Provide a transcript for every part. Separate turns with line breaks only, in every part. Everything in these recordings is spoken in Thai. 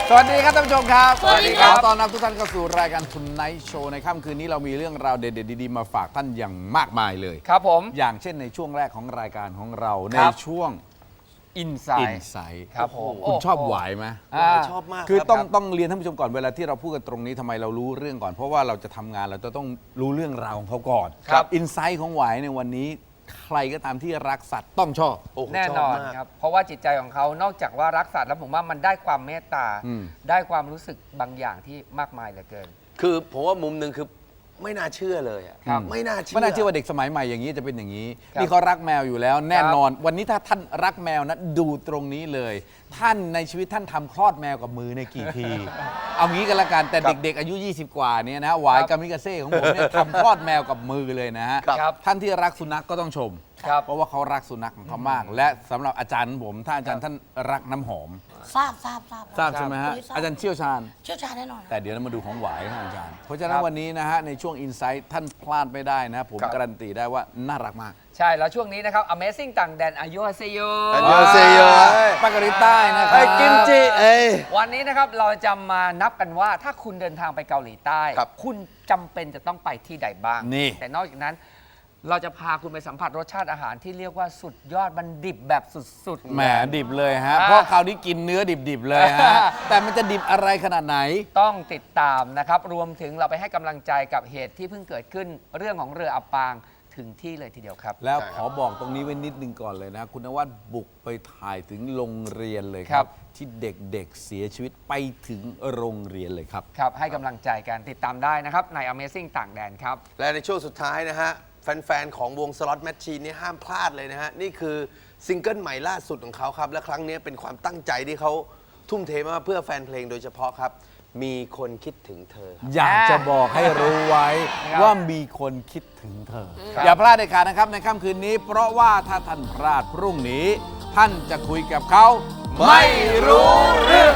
สวัสดีครับท่านผู้ชมครับ
สวัสดีครับ
ตอนรับทุกท่านเข้าสู่รายการคุณไนท์โชว์ในค่ำคืนนี้เรามีเรื่องราวเด็ดๆดีๆมาฝากท่านอย่างมากมายเลย
ครับผม
อย่างเช่นในช่วงแรกของรายการของเราใน
ครับ
ช่วง
อินไซ
อิน
ด์
ไซต์
ครับผม
คุณชอบหวายไหม
ชอบมาก
คือ
รับ
ต้องเรียนท่านผู้ชมก่อนเวลาที่เราพูดกันตรงนี้ทำไมเรารู้เรื่องก่อน เพราะว่าเราจะทำงานเราจะต้องรู้เรื่องราวของเขาก่อน
ครับ
อินไซต์ของหวายในวันนี้ใครก็ตามที่รักสัตว์ต้องชอบ
โอ้โห
แน่
ช
น
บ
อน
มาก
ครับ เพราะว่าจิตใจของเขานอกจากว่ารักสัตว์แล้วผมว่ามันได้ความเมตตา
อืม
ได้ความรู้สึกบางอย่างที่มากมายเหลือเกิน
คือผมว่ามุมหนึ่งคือไม่น่าเชื่อเลยอะ
ครับ
ไม่น่าเชื่อ
ไม่น่าเชื่อว่าเด็กสมัยใหม่อย่างนี้จะเป็นอย่างนี้
ครับ
นี่เขารักแมวอยู่แล้ว แน่นอน วันนี้ถ้าท่านรักแมวนะดูตรงนี้เลย ท่านในชีวิตท่านทำคลอดแมวกับมือในกี่ที เอางี้กันละกันแต่เด็กๆอายุ 20 กว่าเนี่ยนะหวายกามิกาเซ่ของผมเนี่ยทำคลอดแมวกับมือเลยนะฮะ
ครับ
ท่านที่รักสุนัขก็ต้องชม
ครับ
เพราะว่าเขารักสุนัขของเขามาก และสำหรับอาจารย์ผมถ้าอาจารย์ท่านรักน้ำหอม
ทราบ
ทราบใช่ไหมฮะ
ทราบ
อาจารย์เชี่ยวชาญ
เชี่ยวชาญแน่นอน
แต่เดี๋ยวเรามาดูของหวายครับอาจารย์ เพราะฉะนั้
คน รับ
วันนี้นะฮะในช่วง Insight ท่านพลาดไม่ได้นะผม
ครับ
การันตีได้ว่าน่ารักมาก
ใช่ แล้วช่วงนี้นะครับ Amazing ต่างแดนอายุฮาเซโย
อันยองเซโย
ปากกาลิใต้นะครับ
ไอ้กิมจิเอ้ย
วันนี้นะครับเราจะมานับกันว่าถ้าคุณเดินทางไปเกาหลีใต้
ครับ
คุณจำเป็นจะต้องไปที่ใดบ้าง
นี่
แต่นอกจากนั้น เราจะพาคุณไปสัมผัสรสชาติอาหารที่เรียกว่าสุดยอดมันดิบแบบสุดๆ
แหมดิบเลยฮะ
อ่า
เพราะคราวนี้กินเนื้อดิบๆเลยฮะ แต่มันจะดิบอะไรขนาดไหน
ต้องติดตามนะครับ รวมถึงเราไปให้กำลังใจกับเหตุที่เพิ่งเกิดขึ้นเรื่องของเรืออับปางถึงที่เลยทีเดียวครับ
แล้ว
ใช่
ข
ครับ
อบอกตรงนี้ไว้นิดนึงก่อนเลยนะ คุณนวัดบุกไปถ่ายถึงโรงเรียนเลยค
ครั
รับ
บ
ที่เด็กๆเสียชีวิตไปถึงโรงเรียนเลยครับ
ครับ ให้กำลังใจกันติดตามได้นะครับ ใน Amazing ต่างแดนครับ
และในช่วงสุดท้ายนะฮะ แฟนๆ ของวงสล็อตแมชชีนนี่ห้ามพลาดเลยนะฮะ นี่คือซิงเกิลใหม่ล่าสุดของเขาครับ และครั้งนี้เป็นความตั้งใจที่เขาทุ่มเทมาเพื่อแฟนเพลงโดยเฉพาะครับ มีคนคิดถึงเธอครับ
อยากจะบอกให้รู้ไว้
ครับ
ว่ามีคนคิดถึงเธอ
ครับ
อย่าพลาดเด็ดขาดนะครับในค่ำคืนนี้ เพราะว่าถ้าท่านพลาดพรุ่งนี้ ท่านจะคุยกับเขาไม่รู้เรื่อง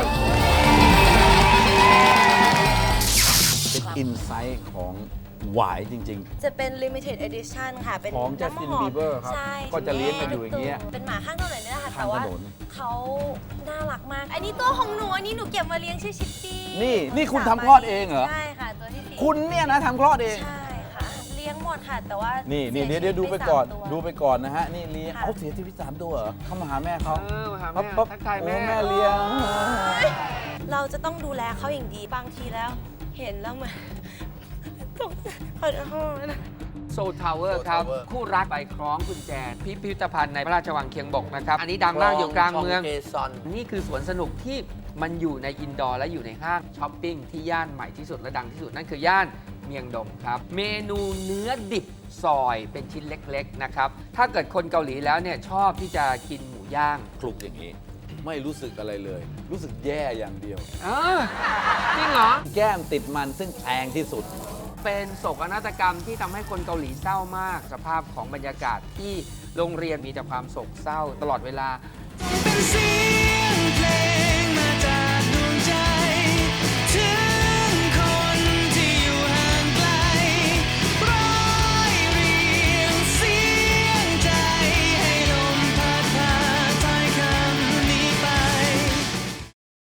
เป็นอินไซต์ของหวายจริง
จะเป็น limited edition ค่ะ เป็น
ของ
น้ำ
Justin
หอม
Bieber ครับ
ใช่
ก็จะเลี้ยงกันอยู่อย่างเงี้ย
เป็นหมาข้างถนนนี่แหละค่ะ
ข้าง
แต่ว่า
ถนน
เขาน่ารักมาก อันนี้ตัวของหนู อันนี้หนูเก็บมาเลี้ยงชื่อชิปปี้
นี่คุณทำคลอดเองเหรอ
ใช่ค่ะ ตัวที่สี่
คุณเนี่ยนะทำคลอดเอง
ใช่ค่ะ เลี้ยงหมดค่ะ แต่ว่า
นี่
สี
เดี๋ยว
ชีวิต
ดูไปก่อน
3ตัว
ดูไปก่อนนะฮะ นี่เลี้ยง
ค่ะ
เขาเสียชีวิต3ตัวเหรอเขามาหาแม่เขา
มาหา
ปั๊บ
แม่
ปั๊บ
ทักทาย
โอ้
แม่
แม่เลี้ยง
เราจะต้องดูแลเขาอย่างดี บางทีแล้ว เห็นแล้วมัน ขอโทษนะ
โซลทาวเวอร์ครับ
Tower
คู่รักไปคล้องกุญแจพิพิธภัณฑ์ในพระราชวังเคียงบกนะครับ อันนี้ดังมากอยู่กลางเมือง
เกซอน
นี่คือสวนสนุกที่มันอยู่ในอินดอร์และอยู่ในห้างช้อปปิ้งที่ย่านใหม่ที่สุดและดังที่สุด นั่นคือย่านเมียงดงครับ เมนูเนื้อดิบซอยเป็นชิ้นเล็กๆนะครับ ถ้าเกิดคนเกาหลีแล้วเนี่ยชอบที่จะกินหมูย่าง
คลุกอย่างนี้ ไม่รู้สึกอะไรเลย รู้สึกแย่อย่างเดียว
จริงเหรอ
แก้มติดมันซึ่งแพงที่สุด
เป็นโศกนาฏกรรมที่ทำให้คนเกาหลีเศร้ามาก สภาพของบรรยากาศที่โรงเรียนมีแต่ความโศกเศร้าตลอดเวลา
เป็นสี